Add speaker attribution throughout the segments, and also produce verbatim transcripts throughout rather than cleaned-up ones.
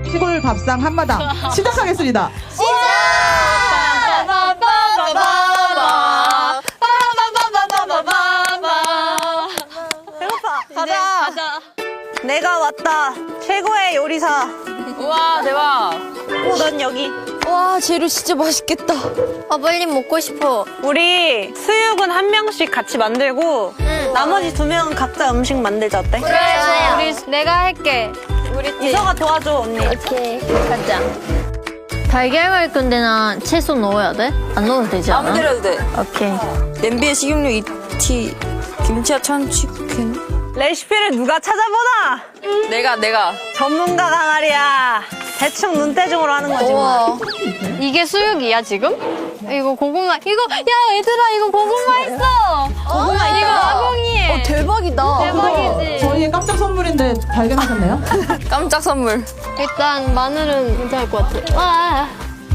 Speaker 1: 시골 밥상 한마당 시작하겠습니다.
Speaker 2: 배고파. 가자. 가자. 내가 왔다. 최고의 요리사.
Speaker 3: 우와 대박.
Speaker 2: 넌 여기.
Speaker 4: 와 재료 진짜 맛있겠다. 아 빨리 먹고 싶어.
Speaker 2: 우리 수육은 한 명씩 같이 만들고
Speaker 4: 응.
Speaker 2: 나머지 두 명은 각자 음식 만들자 어때?
Speaker 4: 그래 좋아요.
Speaker 3: 우리 내가 할게. 우리 팀.
Speaker 2: 이서가 도와줘 언니.
Speaker 4: 오케이 가자. 달걀 갈 건데 나 채소 넣어야 돼? 안 넣어도 되지 않아?
Speaker 3: 아무 데나 해도 돼.
Speaker 4: 오케이.
Speaker 3: 냄비에 식용유 이 티, 김치와 참치캔.
Speaker 2: 레시피를 누가 찾아보나?
Speaker 3: 내가 내가.
Speaker 2: 전문가가 말이야. 대충 눈대중으로 하는 거지 뭐.
Speaker 4: 우와.
Speaker 3: 이게 수육이야 지금? 이거 고구마. 이거 야 얘들아 이거 고구마 있어. 고구마 이거 아궁이에.
Speaker 4: 어 대박이다.
Speaker 3: 대박이지.
Speaker 1: 저희의 깜짝 선물인데 발견하셨네요?
Speaker 3: 깜짝 선물. 일단 마늘은 괜찮을 것 같아. 와.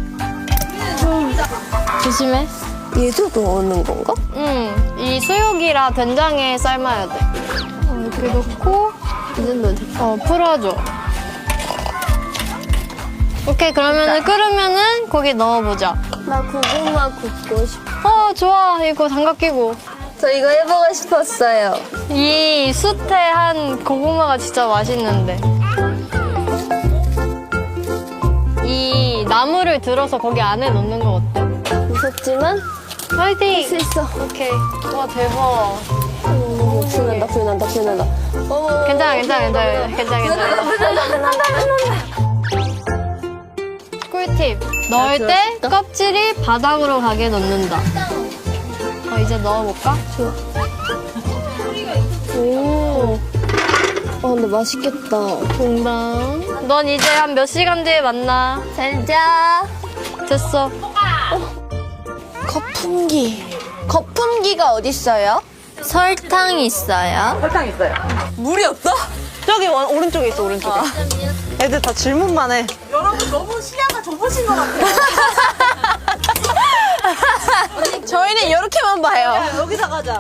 Speaker 3: 조심해.
Speaker 4: 얘도 넣는 건가?
Speaker 3: 응. 이 수육이라 된장에 삶아야 돼. 어, 이렇게 넣고
Speaker 4: 이제 넣어도 돼.
Speaker 3: 어 풀어줘. 오케이 그러면은 끓으면은 고기 넣어보자.
Speaker 4: 나 고구마 굽고 싶어.
Speaker 3: 어 좋아 이거 장갑 끼고.
Speaker 4: 저 이거 해보고 싶었어요.
Speaker 3: 이 숯에 한 고구마가 진짜 맛있는데. 이 나무를 들어서 거기 안에 넣는 거 어때?
Speaker 4: 무섭지만
Speaker 3: 파이팅!
Speaker 4: 할 수 있어.
Speaker 3: 오케이. 와 대박.
Speaker 4: 오, 불난다 불난다 불난다. 어머.
Speaker 3: 괜찮아 괜찮아 괜찮아 괜찮아 괜찮아. 꿀팁. 넣을 때
Speaker 4: 들어있다.
Speaker 3: 껍질이 바닥으로 가게 넣는다. 어 이제 넣어볼까?
Speaker 4: 좋아. 오. 아 근데 맛있겠다.
Speaker 3: 동당. 넌 이제 한 몇 시간 뒤에 만나.
Speaker 4: 잘 자.
Speaker 3: 됐어.
Speaker 4: 거품기. 거품기가 어딨어요? 설탕 있어요.
Speaker 2: 물이 없어? 저기 원- 오른쪽에 있어 오른쪽에. 애들 다 질문만 해.
Speaker 1: 여러분 너무 시야가 좁으신 것 같아요.
Speaker 4: 저희는 이렇게만 봐요.
Speaker 2: 여기다 가자.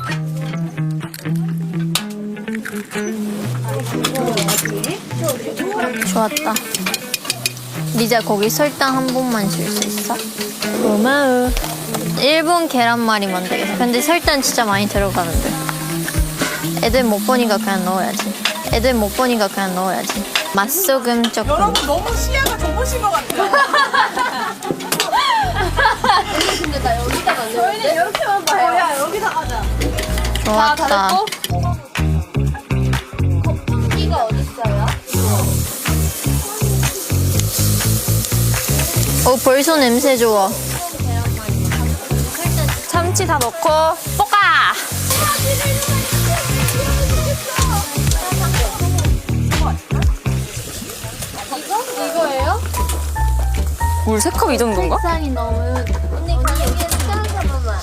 Speaker 4: 좋았다. 리자 거기 설탕 한 번만 줄 수 있어? 고마워. 일본 계란말이 만들겠어. 근데 설탕 진짜 많이 들어가는데. 애들 못 보니까 그냥 넣어야지. 애들 못 보니까 그냥 넣어야지. 맛소금 조금.
Speaker 1: 여러분 너무 시야가 좁으신 것 같아요.
Speaker 4: 저희는 이렇게만 봐요.
Speaker 1: 야 여기다 가자.
Speaker 4: 좋았다. 거품기가 어딨어요? 어 벌써 냄새 좋아.
Speaker 3: 참치 다 넣고 볶아.
Speaker 4: 이거예요?
Speaker 3: 물 세 컵 이 정도인가?
Speaker 4: 색상이 너무. 언니 언니 여기에 짠 한번만.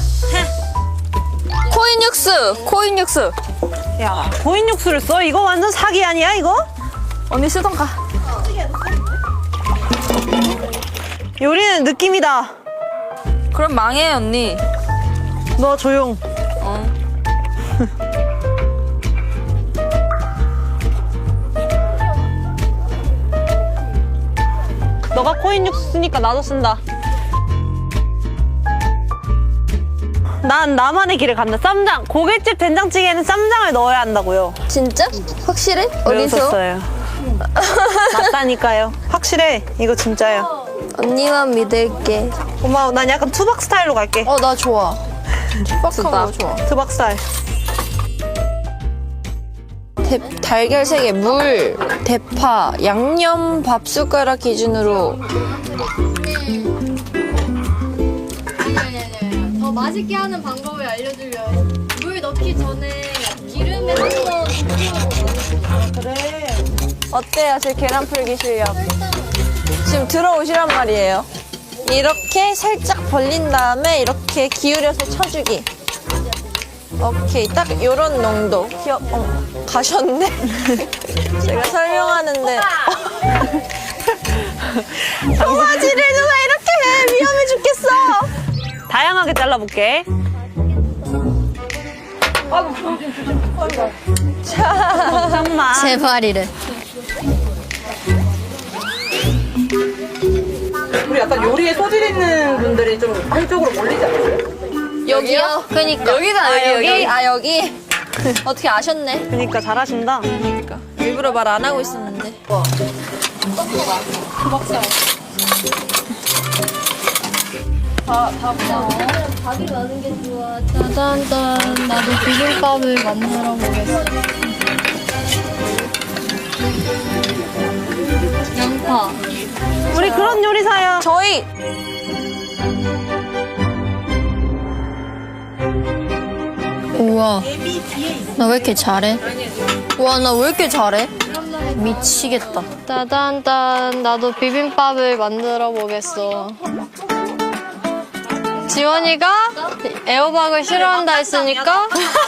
Speaker 3: 코인 육수. 코인 육수.
Speaker 2: 야 고인 육수를 써? 이거 완전 사기 아니야 이거?
Speaker 3: 언니 쓰던 가.
Speaker 2: 요리는 느낌이다.
Speaker 3: 그럼 망해 언니.
Speaker 2: 너 조용.
Speaker 3: 어.
Speaker 2: 너가 코인 육수 쓰니까 나도 쓴다. 난 나만의 길을 간다. 쌈장. 고깃집 된장찌개에는 쌈장을 넣어야 한다고요.
Speaker 4: 진짜? 확실해? 어디서?
Speaker 2: 외웠었어요. 맞다니까요. 확실해. 이거 진짜요.
Speaker 4: 언니만 믿을게.
Speaker 2: 고마워. 난 약간 투박 스타일로 갈게.
Speaker 4: 어 나 좋아. 빡한 거 좋아.
Speaker 2: 투박 스타일.
Speaker 4: 대, 달걀 세 개, 물, 대파, 양념 밥 숟가락 기준으로.
Speaker 3: 더 맛있게 하는 방법을 알려주면 물 넣기 전에 기름에 한번
Speaker 2: 그래.
Speaker 4: 어때요? 제 계란 풀기 실력. 지금 들어오시란 말이에요. 이렇게 살짝 벌린 다음에 이렇게 기울여서 쳐주기. 오케이, 딱 요런 농도. 귀여, 어, 가셨네? 제가 설명하는데. 도화지를 누가 이렇게 해? 위험해 죽겠어.
Speaker 2: 다양하게 잘라볼게. 잠깐만.
Speaker 4: 제발이래.
Speaker 1: 약간 요리에 소질 있는 분들이 좀 한쪽으로 몰리지 않아요?
Speaker 4: 여기요? 그니까.
Speaker 3: 여기다,
Speaker 4: 아,
Speaker 3: 여기, 여기.
Speaker 4: 아, 여기? 어떻게 아셨네?
Speaker 2: 그러니까 잘하신다.
Speaker 4: 일부러 말 안 하고 있었는데. 밥이 많은 게 좋아. 짜잔짠. 나도 비빔밥을 만들어 보겠어. 양파.
Speaker 2: 우리 그런 요리사야.
Speaker 4: 저희 우와 나 왜 이렇게 잘해? 우와 나 왜 이렇게 잘해? 미치겠다.
Speaker 3: 따단딴 나도 비빔밥을 만들어 보겠어. 지원이가 애호박을 싫어한다 했으니까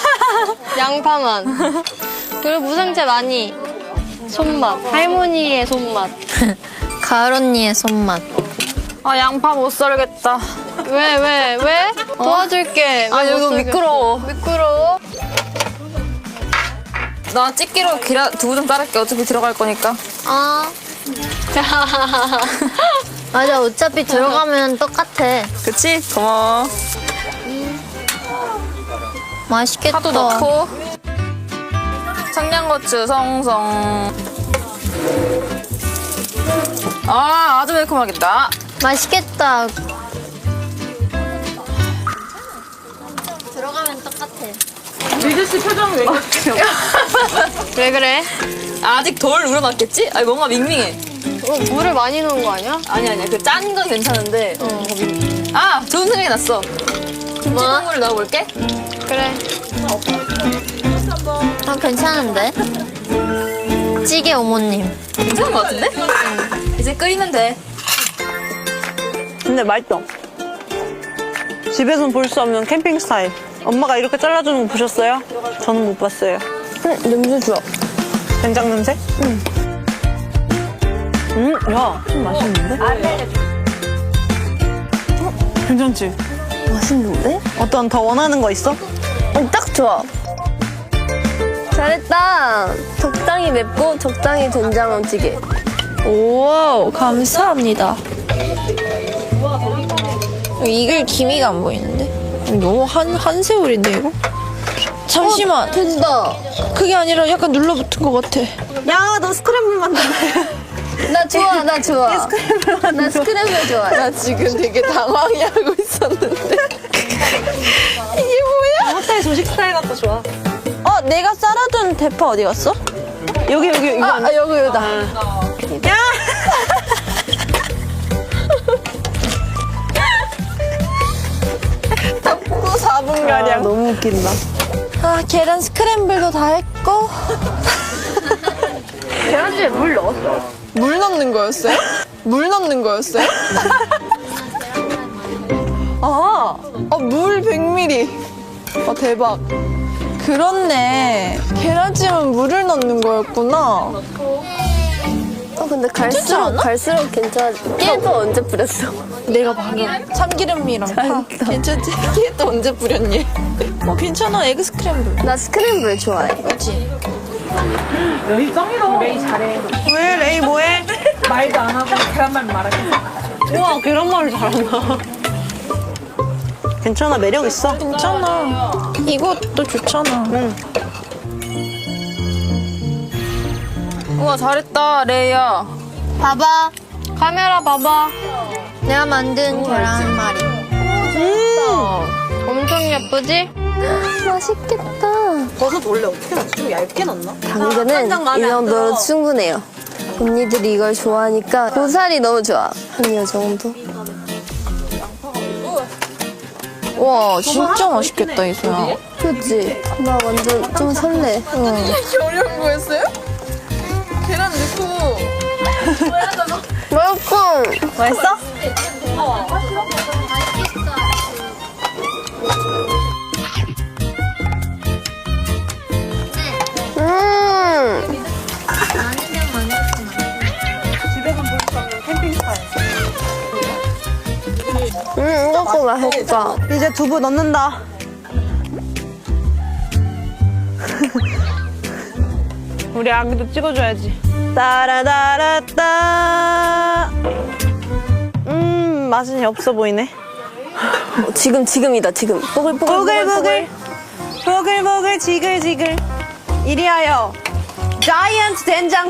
Speaker 3: 양파만. 그리고 무생채 많이. 손맛. 할머니의 손맛.
Speaker 4: 가을 언니의 손맛.
Speaker 3: 아 양파 못 썰겠다. 왜 왜 왜? 도와줄게.
Speaker 5: 아,
Speaker 3: 왜
Speaker 5: 이거
Speaker 3: 못 썰겠어?
Speaker 5: 미끄러워.
Speaker 3: 미끄러워.
Speaker 5: 나 집게로 계란 두부 좀 자를게. 어차피 들어갈 거니까.
Speaker 4: 아 맞아 어차피 들어가면 똑같아.
Speaker 5: 그치? 고마워.
Speaker 4: 맛있겠다.
Speaker 5: 파도 넣고. 청양고추 송송. 아, 아주 매콤하겠다.
Speaker 4: 맛있겠다. 들어가면 똑같아.
Speaker 1: 리즈 씨 표정 왜 그러세요?
Speaker 3: 왜 그래?
Speaker 5: 아직 덜 우러났겠지? 아니, 뭔가 밍밍해.
Speaker 3: 어, 물을 많이 넣은 거 아니야?
Speaker 5: 아니, 아니야. 그 짠 건 괜찮은데. 아, 좋은 생각이 났어. 김치국물을 넣어볼게.
Speaker 3: 그래.
Speaker 4: 아 괜찮은데? 찌개 어머님.
Speaker 5: 괜찮은 것 같은데? 이제 끓이면 돼.
Speaker 2: 근데 맛있어. 집에서는 볼 수 없는 캠핑 스타일. 엄마가 이렇게 잘라주는 거 보셨어요? 저는 못 봤어요.
Speaker 3: 응, 냄새 좋아.
Speaker 2: 된장 냄새? 응. 음, 야, 좀 맛있는데? 어, 괜찮지?
Speaker 3: 맛있는데?
Speaker 2: 어떤 더 원하는 거 있어?
Speaker 3: 어, 딱 좋아. 잘했다. 적당히 맵고 적당히 된장찌개. 오, 감사합니다.
Speaker 6: 익을 기미가 안 보이는데? 너무 한, 한세월인데, 이거? 잠시만.
Speaker 3: 된다.
Speaker 6: 그게 아니라 약간 눌러붙은 것 같아.
Speaker 2: 야, 너 스크램블 만들래.
Speaker 3: 나 좋아, 나 좋아. 나 스크램블 좋아.
Speaker 6: 나 지금 되게 당황해하고 있었는데. 이게 뭐야?
Speaker 2: 호텔 조식 스타일 같고 좋아.
Speaker 6: 어, 내가 썰어둔 대파 어디 갔어?
Speaker 2: 여기, 여기, 이거
Speaker 6: 아,
Speaker 2: 안
Speaker 6: 아 여기, 여기다.
Speaker 2: 야!
Speaker 6: 또 사 분가량.
Speaker 2: 아, 너무 웃긴다.
Speaker 6: 아, 계란 스크램블도 다 했고.
Speaker 3: 계란찜에 물 넣었어.
Speaker 6: 물 넣는 거였어요? 물 넣는 거였어요? 아, 어, 물 백 밀리리터. 어, 대박. 그렇네. 계란찜은 물을 넣는 거였구나.
Speaker 3: 어, 근데
Speaker 6: 괜찮지 않아?
Speaker 3: 갈수록 갈수록 괜찮아. 깨도 언제 뿌렸어?
Speaker 6: 내가 방금 참기름이랑 파. 괜찮지? 이게 또 언제 뿌렸니? 어, 괜찮아. 에그 스크램블.
Speaker 3: 나 스크램블 좋아해.
Speaker 6: 그렇지?
Speaker 1: 여기 짱이다. 레이 잘해.
Speaker 2: 왜, 레이 뭐해?
Speaker 1: 말도 안 하고 계란말 말하겠어.
Speaker 2: 우와, 계란말을 잘한다. 괜찮아, 매력 있어.
Speaker 6: 괜찮아. 이것도 좋잖아.
Speaker 2: 응.
Speaker 5: 우와, 잘했다, 레이야.
Speaker 4: 봐봐.
Speaker 3: 카메라 봐봐.
Speaker 4: 내가 만든 계란말이.
Speaker 3: 엄청 예쁘지? 맛있겠다.
Speaker 2: 버섯 원래 어떻게 넣지? 좀 얇게 넣나?
Speaker 3: 당근은
Speaker 2: 마음에
Speaker 3: 이
Speaker 2: 안
Speaker 3: 정도로
Speaker 2: 들어.
Speaker 3: 충분해요. 언니들이 이걸 좋아하니까 고살이 너무 좋아. 한 이 정도.
Speaker 6: 와, 진짜 맛있겠다, 이소야.
Speaker 3: 그치? 나 완전 좀 설레.
Speaker 6: 이렇게 어려운 거였어요? 계란 넣고.
Speaker 3: 맛있어.
Speaker 2: 맛있어?
Speaker 3: 음.
Speaker 2: 집에서 볼 수 없는 캠핑 스타일.
Speaker 3: 음, 이것도 맛있다.
Speaker 2: 이제 두부 넣는다. 우리 아기도 찍어줘야지. 따라따라따. 음. 맛은 없어 보이네.
Speaker 5: 지금 지금이다 지금.
Speaker 2: 보글보글 보글보글 지글지글 이리하여 자이언트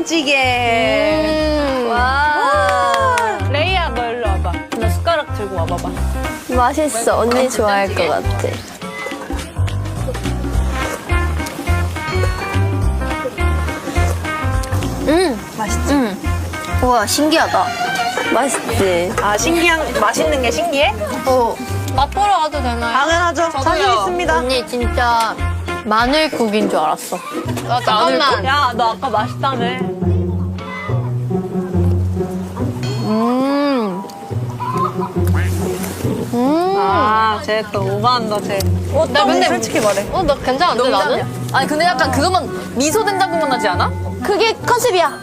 Speaker 2: 된장찌개.
Speaker 5: 와.
Speaker 2: 레이야 너 일로 와봐. 너 숟가락 들고 와봐봐.
Speaker 4: 맛있어. 언니 좋아할 것 같아. 음, 맛있지? 음. 우와, 신기하다.
Speaker 5: 맛있지.
Speaker 2: 아 신기한 맛있는 게 신기해?
Speaker 4: 어,
Speaker 3: 맛보러 가도 되나요?
Speaker 2: 당연하죠. 자신 있습니다.
Speaker 4: 언니 진짜 마늘국인 줄 알았어.
Speaker 3: 아, 잠깐만.
Speaker 2: 야 너 아까 맛있다며.
Speaker 4: 음,
Speaker 2: 아쟤 또 오버한다 쟤.
Speaker 5: 어, 나 근데
Speaker 2: 솔직히 말해.
Speaker 3: 어, 나 괜찮은데, 나는?
Speaker 5: 아니 근데 약간 그것만 미소 된장국만 나지 않아?
Speaker 4: 그게 컨셉이야.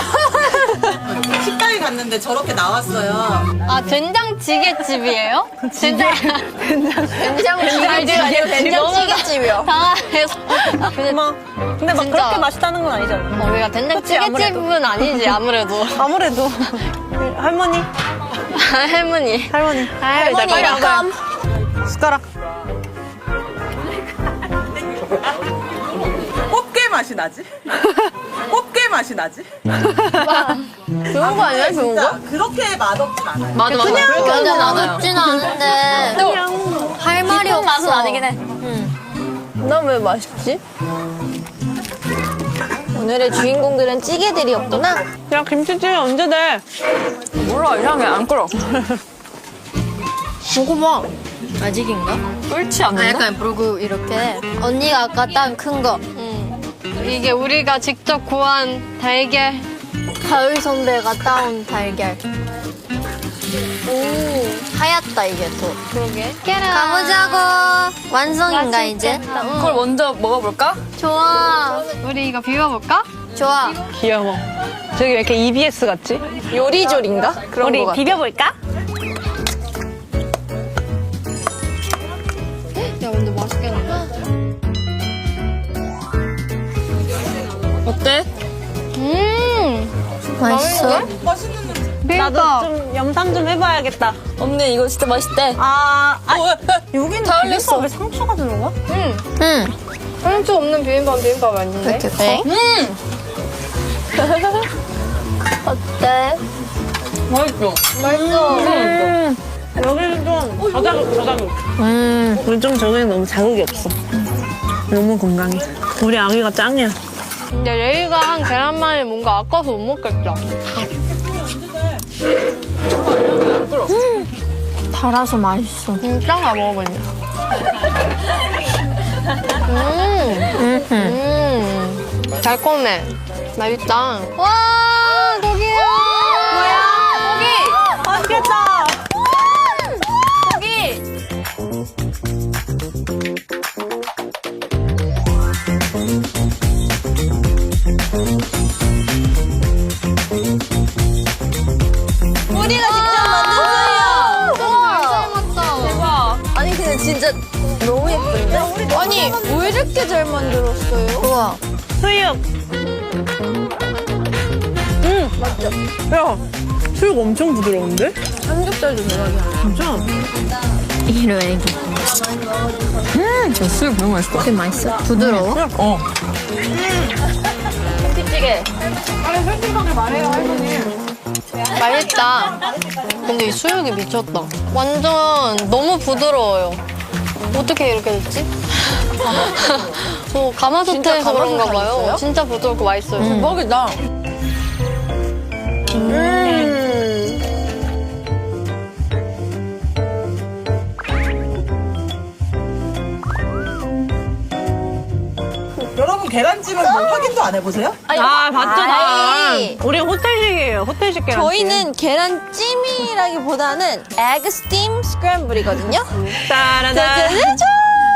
Speaker 1: 식당에 갔는데 저렇게 나왔어요.
Speaker 3: 아, 된장찌개집이에요? 된장.
Speaker 4: 된장찌개집 아니고 된장찌개집이요.
Speaker 3: 당황해서. 근데,
Speaker 2: 뭐 근데 막
Speaker 3: 진짜.
Speaker 2: 그렇게 맛있다는 건 아니잖아.
Speaker 3: 어, 우리가 된장찌개집은 아니지, 아무래도.
Speaker 2: 아무래도 할머니
Speaker 3: 할머니.
Speaker 2: 할머니
Speaker 3: 할머니,
Speaker 2: 빨리
Speaker 3: 약간.
Speaker 2: 숟가락.
Speaker 1: 꽃게 맛이 나지? 꽃게 맛이 나지?
Speaker 5: 좋은 거 아니야 좋은 거?
Speaker 1: 진짜 그렇게 맛없진 않아요.
Speaker 5: 맞아 맞아. 그렇게
Speaker 4: 근데
Speaker 5: 하진 않아요.
Speaker 4: 맛없진 않은데 할 말이
Speaker 5: 깊은
Speaker 4: 없어.
Speaker 5: 맛은 아니긴 해.
Speaker 6: 난 왜 맛있지? 오늘의 주인공들은 찌개들이었구나.
Speaker 2: 야 김치찌개 언제 돼?
Speaker 5: 몰라 이상해 안 끓어.
Speaker 6: 먹어봐.
Speaker 4: 아직인가?
Speaker 5: 끓지
Speaker 4: 아,
Speaker 5: 않는데?
Speaker 4: 약간 그리고 이렇게 언니가 아까 딴 큰 거.
Speaker 3: 이게 우리가 직접 구한 달걀.
Speaker 4: 가을 선배가 따온 달걀. 오, 하얗다 이게 또.
Speaker 3: 그러게.
Speaker 4: 가보자고. 완성인가 이제?
Speaker 5: 그걸 먼저 먹어볼까?
Speaker 4: 좋아,
Speaker 3: 우리 이거 비벼볼까?
Speaker 4: 좋아.
Speaker 2: 귀여워. 저기 왜 이렇게 이비에스 같지?
Speaker 6: 요리조리인가? 그런
Speaker 2: 우리
Speaker 6: 거 같아.
Speaker 2: 비벼볼까?
Speaker 3: 야, 근데 맛있겠는데?
Speaker 5: 어때?
Speaker 3: 음!
Speaker 4: 맛있어?
Speaker 2: 나도 좀 염탐 좀 해봐야겠다.
Speaker 5: 언니 이거 진짜 맛있대.
Speaker 2: 아, 아 여기는
Speaker 5: 다 흘렸어.
Speaker 2: 비빔밥에 상추가 들어가?
Speaker 4: 응.
Speaker 3: 상추 없는 비빔밥 비빔밥 아닌데?
Speaker 4: 이렇게 커?
Speaker 5: 음.
Speaker 4: 어때?
Speaker 5: 맛있어.
Speaker 2: 음. 여기는 좀 저자극, 저자극.
Speaker 4: 음.
Speaker 2: 우리 좀 저기는 너무 자극이 없어. 너무 건강해. 우리 아기가 짱이야.
Speaker 3: 근데 레이가 한 계란말이 뭔가 아까워서 못 먹겠다.
Speaker 4: 달아서 맛있어.
Speaker 3: 진짜 다 먹어보냐. 음, 음, 달콤해. 맛있다. 와, 고기야. 뭐야?
Speaker 2: 맛있겠다.
Speaker 6: 우리가 직접 만든
Speaker 3: 우와.
Speaker 6: 아니 근데 진짜 너무 예쁜데? 아니 왜 이렇게 잘 만들었어요?
Speaker 4: 우와.
Speaker 2: 수육. 응, 맞죠? 야, 수육 엄청 부드러운데?
Speaker 6: 삼겹살도 대박이야.
Speaker 2: 진짜?
Speaker 4: 이로 애기.
Speaker 5: 저 수육 너무 맛있어.
Speaker 4: 되게 맛있어. 부드러워?
Speaker 5: 어.
Speaker 6: 김치찌개.
Speaker 3: 맛있다. 근데 이 수육이 미쳤다. 완전 너무 부드러워요. 어떻게 이렇게 됐지? 저 가마솥에서 그런가 봐요.
Speaker 6: 있어요?
Speaker 3: 진짜 부드럽고 맛있어요.
Speaker 6: 대박이다.
Speaker 1: 여러분 계란찜은 뭐 확인도 안 해보세요?
Speaker 2: 아, 봤죠, 다.
Speaker 6: 아이.
Speaker 2: 우리 호텔식이에요, 호텔식 계란찜.
Speaker 6: 저희는 계란찜이라기보다는 에그 스팀 스크램블이거든요.
Speaker 2: 따라단.
Speaker 6: 짜자자자.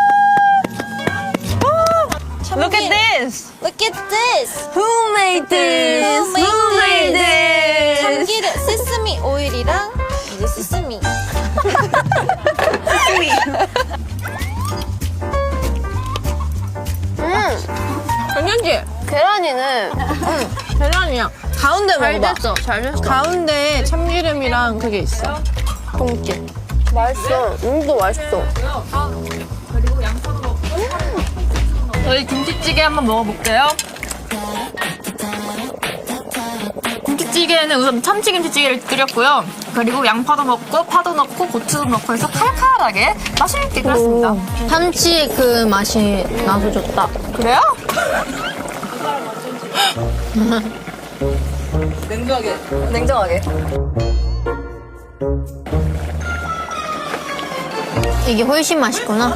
Speaker 2: Look at this.
Speaker 6: Look at this.
Speaker 2: Who made this?
Speaker 6: Who made
Speaker 2: this?
Speaker 6: 참기름, 세스미 오일이랑 이제 세스미.
Speaker 5: 괜찮지?
Speaker 6: 계란이는
Speaker 5: 계란이야.
Speaker 6: 가운데
Speaker 5: 잘
Speaker 6: 먹어봐.
Speaker 5: 됐어. 잘 됐어.
Speaker 6: 가운데 참기름이랑 그게 있어.
Speaker 5: 닭똥집. 맛있어. 음도 맛있어.
Speaker 6: 저희 김치찌개 한번 먹어볼게요. 김치찌개는 우선 참치김치찌개를 끓였고요. 그리고 양파도 넣고 파도 넣고 고추도 넣고 해서 칼칼하게 맛있게 끓였습니다.
Speaker 4: 참치의 그 맛이 나서 좋다.
Speaker 6: 그래요?
Speaker 5: 냉정하게. 냉정하게.
Speaker 4: 이게 훨씬 맛있구나.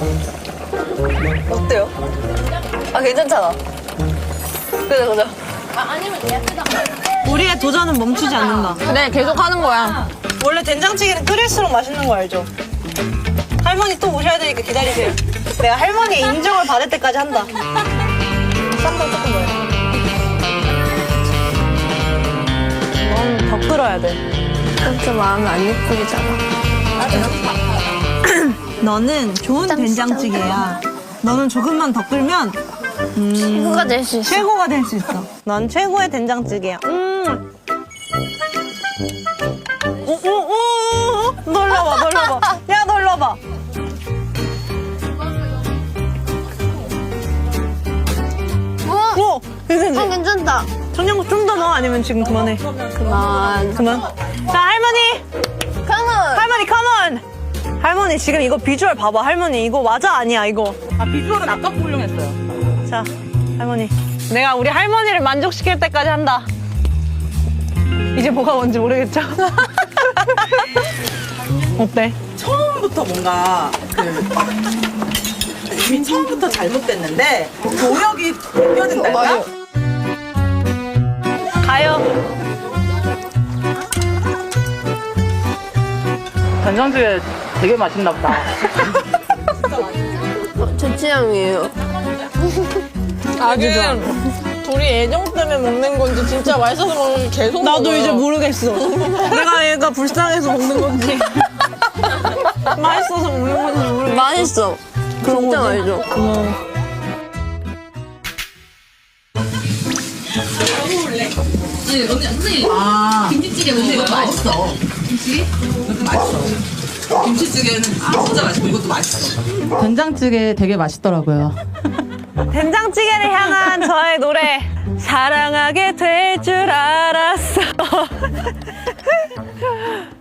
Speaker 5: 어때요? 아, 괜찮잖아. 그죠, 그죠.
Speaker 2: 우리의 도전은 멈추지 않는다.
Speaker 5: 그래, 계속 하는 거야.
Speaker 2: 원래 된장찌개는 끓일수록 맛있는 거 알죠? 할머니 또 오셔야 되니까 기다리세요. 내가 할머니의 인정을 받을 때까지 한다. 쌈장 조금 넣어요. 넌 더 끓어야 돼.
Speaker 4: 그렇게 마음이 안 예쁘잖아.
Speaker 2: 너는 좋은 된장찌개야. 너는 조금만 더 끓면
Speaker 4: 최고가 될 수 있어.
Speaker 2: 최고가 될 수 있어. 넌 최고의 된장찌개야. 음. 오오오. 놀러봐, 놀러봐. 야, 놀러봐. 오, 괜찮지?
Speaker 4: 어, 괜찮다.
Speaker 2: 청양고추 좀 더 넣어? 아니면 지금 그만해?
Speaker 4: 그만.
Speaker 2: 그만. 자, 할머니.
Speaker 4: 컴온.
Speaker 2: 할머니, 컴온. 할머니, 지금 이거 비주얼 봐봐. 할머니, 이거 맞아? 아니야, 이거?
Speaker 1: 아, 비주얼은 아까 훌륭했어요.
Speaker 2: 자, 할머니. 내가 우리 할머니를 만족시킬 때까지 한다. 이제 뭐가 뭔지 모르겠죠? 어때?
Speaker 1: 처음부터 뭔가 그 이미 처음부터 잘못됐는데 노력이 느껴진달까?
Speaker 2: 가요.
Speaker 1: 된장찌개 되게 맛있나 보다.
Speaker 5: 제 취향이에요.
Speaker 6: 아주 좋아. 둘이 애정 때문에 먹는 건지 진짜 맛있어서 먹는 건지 계속
Speaker 2: 나도
Speaker 6: 먹어요.
Speaker 2: 이제 모르겠어. 내가 얘가 불쌍해서 먹는 건지, 맛있어서 먹는 건지 모르겠어.
Speaker 5: 맛있어. 진짜 맛있어.
Speaker 7: 김치찌개 먹는 이것도 맛있어. 김치? 이것도 맛있어. 김치찌개는 진짜 맛있고 이것도 맛있어.
Speaker 1: 된장찌개 되게 맛있더라고요.
Speaker 2: 된장찌개를 향한 저의 노래. 사랑하게 될 줄 알았어.